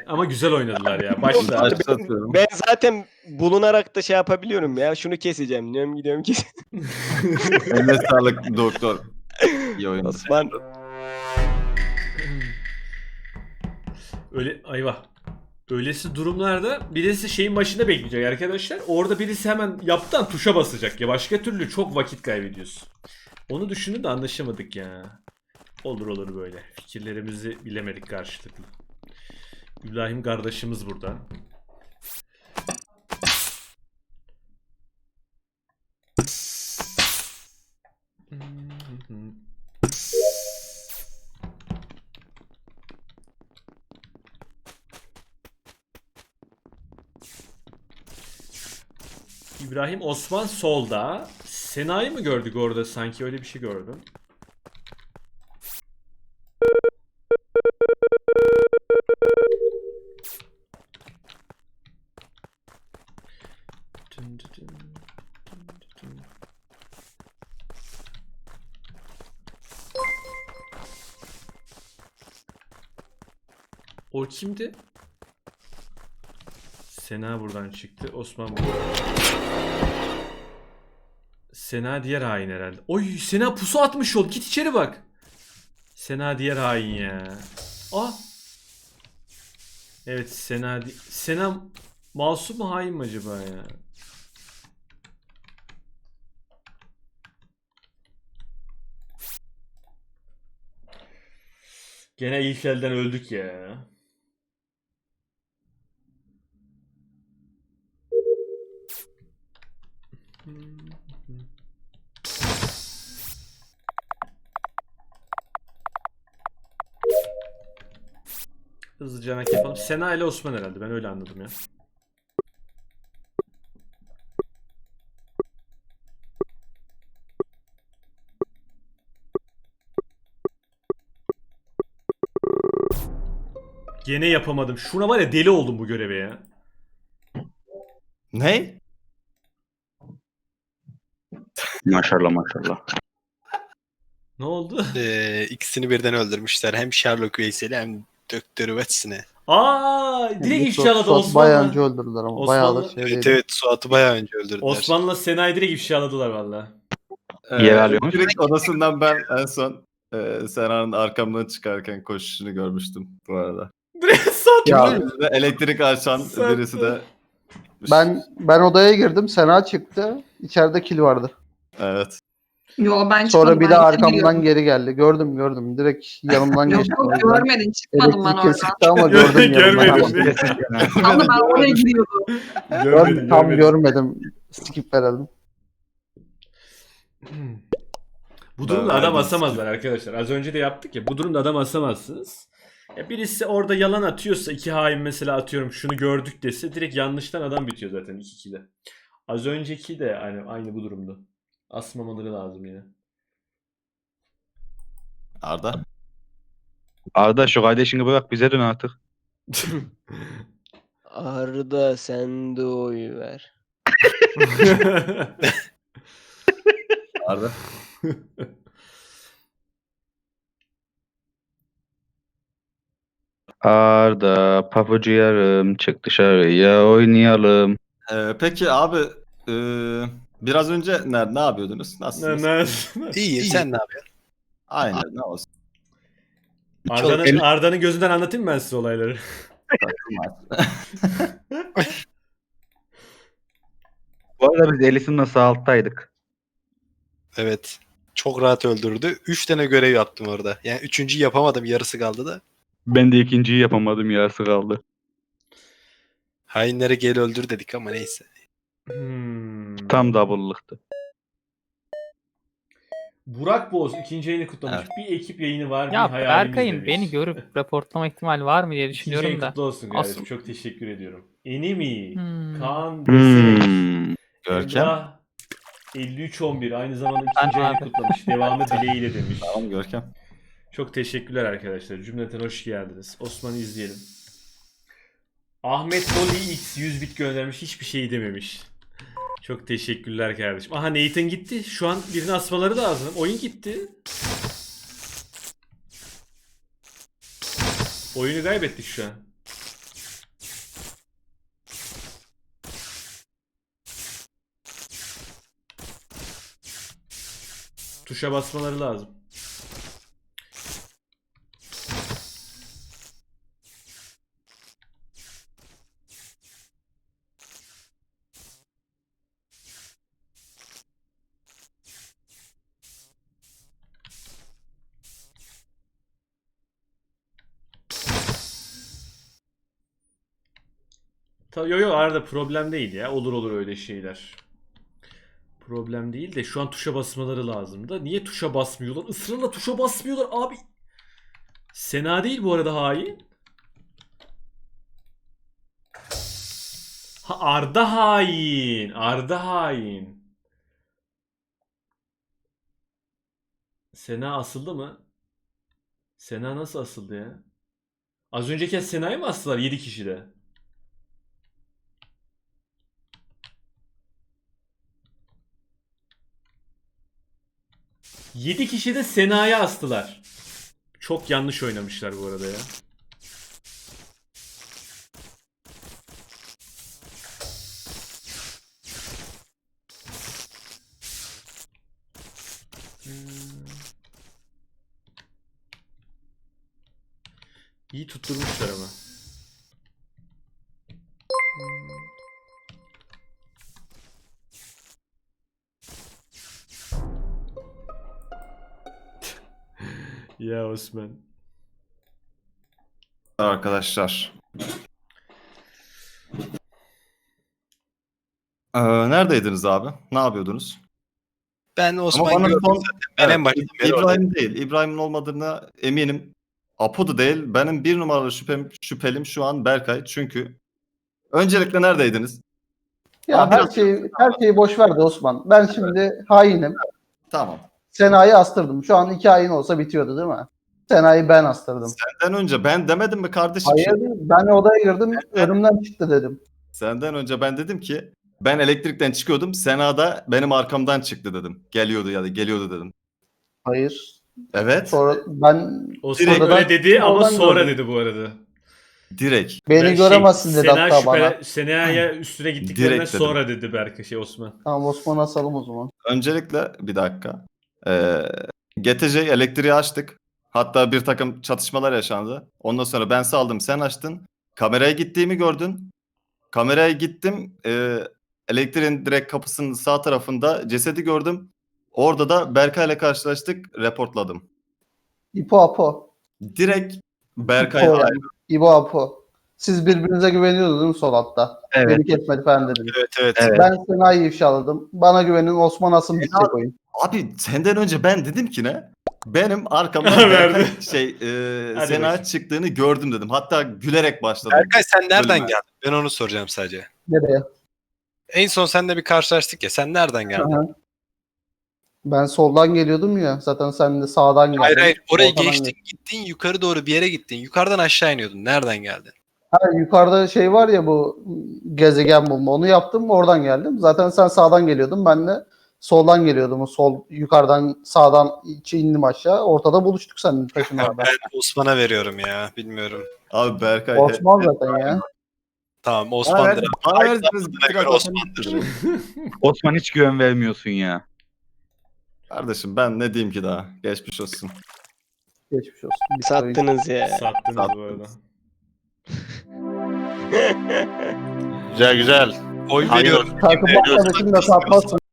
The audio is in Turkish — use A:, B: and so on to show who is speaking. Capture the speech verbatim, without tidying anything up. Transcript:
A: ama güzel oynadılar ya. Başta.
B: Başlatıyorum.
C: Ben zaten bulunarak da şey yapabiliyorum ya. Şunu keseceğim. Diyorum gidiyorum kes.
B: Eline sağlık doktor. İyi oyundu.
C: Osman.
A: Öyle ayva. Öylesi durumlarda birisi şeyin başında bekleyecek arkadaşlar. Orada birisi hemen yaptan tuşa basacak ya. Başka türlü çok vakit kaybediyorsun. Onu düşündüm de anlaşamadık ya. Olur olur böyle. Fikirlerimizi bilemedik karşılıklı. İbrahim kardeşimiz burada. İbrahim Osman solda. Sena'yı mı gördük orada sanki öyle bir şey gördüm. O kimdi? Sena buradan çıktı. Osman buradan çıktı. Sena diğer hain herhalde. Oy Sena pusu atmış ol. Git içeri bak. Sena diğer hain ya. Ah. Evet Sena. Sena masum mu hain mi acaba ya? Gene ilk elden öldük ya. Hızlıca anak yapalım. Sena ile Osman herhalde. Ben öyle anladım ya. Gene yapamadım. Şuna var ya deli oldum bu göreve ya.
B: Ne?
D: Maşallah maşallah.
A: Ne oldu?
E: Ee, ikisini birden öldürmüşler. Hem Sherlock Veysel'i hem Doktor Watson'ı.
A: Aa, direkt ifşaladı
F: Suat bayağı önce
A: Osman'la.
F: öldürdüler ama.
A: Osmanlı-
F: Bayağı da şey
E: Evet
F: değil.
E: evet Suat'ı bayağı önce öldürdüler.
A: Osman'la Sena'yı direkt ifşaladılar valla.
D: Yer alıyormuş.
B: Direkt odasından ben en son e, Sena'nın arkamdan çıkarken koşuşunu görmüştüm bu arada.
A: Direkt sattı.
F: Ya,
B: Birisi de elektrik açan
A: Sattı.
B: birisi de...
F: ben ben odaya girdim. Sena çıktı. İçeride kil vardı.
B: Evet.
G: Yo ben
F: Sonra
G: çıkmadım.
F: bir
G: ben
F: de
G: içeri
F: arkamdan
G: giriyordum.
F: geri geldi. Gördüm gördüm. Direkt yanımdan
G: Yok
F: geçti.
G: yok
F: O yüzden
G: görmedin çıkmadım ben
F: elektrik
G: oradan.
F: kesikti ama gördüm yanımdan.
A: Görmedim.
G: Ama ben oraya giriyordum.
F: Gördüm, tam görmedim. Skip verelim.
A: Bu durumda
B: Ben
A: adam
B: verdim.
A: asamazlar arkadaşlar. Az önce de yaptık ya. Bu durumda adam asamazsınız. Ya birisi orada yalan atıyorsa iki hain mesela atıyorum şunu gördük dese direkt yanlıştan adam bitiyor zaten iki ikide. Az önceki de aynı, aynı bu durumda. Asmamaları lazım yine.
B: Arda.
D: Arda şu kardeşini bırak bize dön artık.
C: Arda sen de oy ver.
B: Arda.
D: Arda papucu yarım çık dışarıya oynayalım.
B: Ee, peki abi e, biraz önce ne, ne yapıyordunuz?
A: Ne-
B: Nasılsınız?
A: ne-
E: İyi, sen ne yapıyorsun?
B: Aynen ne olsun.
A: Arda'nın
D: el-
A: Arda'nın gözünden anlatayım mı ben size olayları?
D: Bu arada biz Elis'in nasıl alttaydık.
E: Evet. Çok rahat öldürdü. Üç tane görev yaptım orada. Yani üçüncüyü yapamadım. Yarısı kaldı da.
D: Ben de ikinciyi yapamadım yarısı kaldı.
E: Hainlere gel öldür dedik ama neyse.
A: Hmm.
D: Tam double'lıktı.
A: Burak Boz ikinci yayını kutlamış.
B: Evet.
A: Bir ekip yayını var. bir
H: Ya
A: hayalimiz
H: Berkay'ın
A: demiş.
H: beni görüp raportlama ihtimali var mı diye
A: İkinci
H: düşünüyorum
A: yayın
H: da.
A: kutlu olsun kardeşim.
H: Asıl-
A: Çok teşekkür ediyorum. Enemy,
H: Hmm.
A: Kaan Desek,
D: Hmm.
B: Görkem.
A: Emrah elli üç on bir aynı zamanda
H: Ben
A: ikinci yayını
H: abi.
A: kutlamış. Devamı dileğiyle demiş.
B: Tamam Görkem.
A: Çok teşekkürler arkadaşlar. Cümleten hoş geldiniz. Osman'ı izleyelim. Ahmet Loli X yüz bit göndermiş. Hiçbir şey dememiş. Çok teşekkürler kardeşim. Aha Nathan gitti. Şu an birini asmaları lazım. Oyun gitti. Oyunu kaybettik şu an. Tuşa basmaları lazım. Ta yo yo arada problem değil ya. Olur olur öyle şeyler. Problem değil de şu an tuşa basmaları lazım da. Niye tuşa basmıyorlar? Israrla tuşa basmıyorlar abi. Sena değil bu arada hain. Ha Arda hain. Arda hain. Sena asıldı mı? Sena nasıl asıldı ya? Az önceki Sena'yı mı astılar yedi kişide? yedi kişi de Sena'ya astılar. Çok yanlış oynamışlar bu arada ya. Hmm. İyi tutturmuşlar ama. Ya Osman.
B: Arkadaşlar. Ee, neredeydiniz abi? Ne yapıyordunuz?
E: Ben
B: Ama
E: Osman
B: bana
E: gördüm
B: son-
E: zaten. Ben en
B: Evet,
E: baştan beri oradayım.
B: İbrahim değil. İbrahim'in olmadığına eminim. Apo da değil. Benim bir numaralı şüphem, şüphelim şu an Berkay. Çünkü öncelikle neredeydiniz?
F: Ya
B: Ama
F: her
B: biraz-
F: şeyi her şeyi boş ver de Osman. Ben şimdi hainim.
B: Tamam.
F: Sena'yı astırdım. Şu an iki hain olsa bitiyordu değil mi? Sena'yı ben astırdım.
B: Senden önce ben demedim mi kardeşim?
F: Hayır, ben odaya girdim, önümden çıktı dedim.
B: Senden önce ben dedim ki ben elektrikten çıkıyordum. Sena da benim arkamdan çıktı dedim. Geliyordu ya da geliyordu dedim.
F: Hayır.
B: Evet.
F: Sonra ben
A: Osman
B: Direkt-
A: öyle dedi ama
F: Oradan
A: sonra
F: gördüm.
A: dedi bu arada.
B: Direkt.
F: beni
A: Ben
F: göremezsin
A: şey,
F: dedi
A: Sena
F: hatta
A: şüphele-
F: bana.
A: Sena'ya üstüne gittiklerinden
B: Direkt dedim.
A: sonra dedi Berkay şey Osman.
F: Tamam Osman'ı asalım o zaman.
B: Öncelikle bir dakika. Ee, G T C elektriği açtık. Hatta bir takım çatışmalar yaşandı. Ondan sonra ben saldım, sen açtın. Kameraya gittiğimi gördün. Kameraya gittim. Ee, elektriğin direkt kapısının sağ tarafında cesedi gördüm. Orada da Berkay'la karşılaştık. Reportladım.
F: İpo Apo.
B: Direkt Berkay
F: İpo
B: hain.
F: yani. İbo Apo. Siz birbirinize güveniyordunuz değil mi sol hatta?
D: Evet.
F: Beni kesmedi falan dediniz.
E: Evet evet.
D: Evet.
F: Ben Sena'yı ifşaladım. Bana güvenin Osman asın bitecek oyun.
B: Abi senden önce ben dedim ki ne? Benim arkamdan
A: Verdi.
B: Berkay şey e,
A: Hadi
B: Sena
A: bakayım.
B: çıktığını gördüm dedim. Hatta gülerek başladım.
E: Berkay sen nereden
B: Bölüme.
E: geldin? Ben onu soracağım sadece.
F: Nereye?
E: En son seninle bir karşılaştık ya. Sen nereden geldin?
F: Aha. Ben soldan geliyordum ya. Zaten sen de sağdan geldin.
E: Hayır hayır. Oraya
F: Ortadan
E: geçtin gittin yukarı doğru bir yere gittin. Yukarıdan aşağı iniyordun. Nereden geldin?
F: Ha, yukarıda şey var ya bu gezegen bulma. Onu yaptım. Oradan geldim. Zaten sen sağdan geliyordun. Ben de soldan geliyordum. O sol yukarıdan sağdan içi indim aşağı. Ortada buluştuk seninle taşınlarda.
E: Ben Osman'a veriyorum ya. Bilmiyorum.
B: Abi Berkay.
F: Osman zaten ya.
E: Tamam
B: Bana
E: Osman'dır.
B: verdiniz, bana
E: Ay,
B: verdiniz.
E: zamanına
B: gittik
E: göre
B: arkadaşlar
E: Osman'dır.
B: gittik.
D: Osman hiç güven vermiyorsun ya.
B: Kardeşim ben ne diyeyim ki daha? Geçmiş olsun.
F: Geçmiş olsun. Bir oyun.
C: Sattınız ya.
A: Sattınız bu arada.
I: Güzel güzel.
E: Oy
I: Hayır.
E: veriyorum.
F: Takım arkadaşım da satmazsın.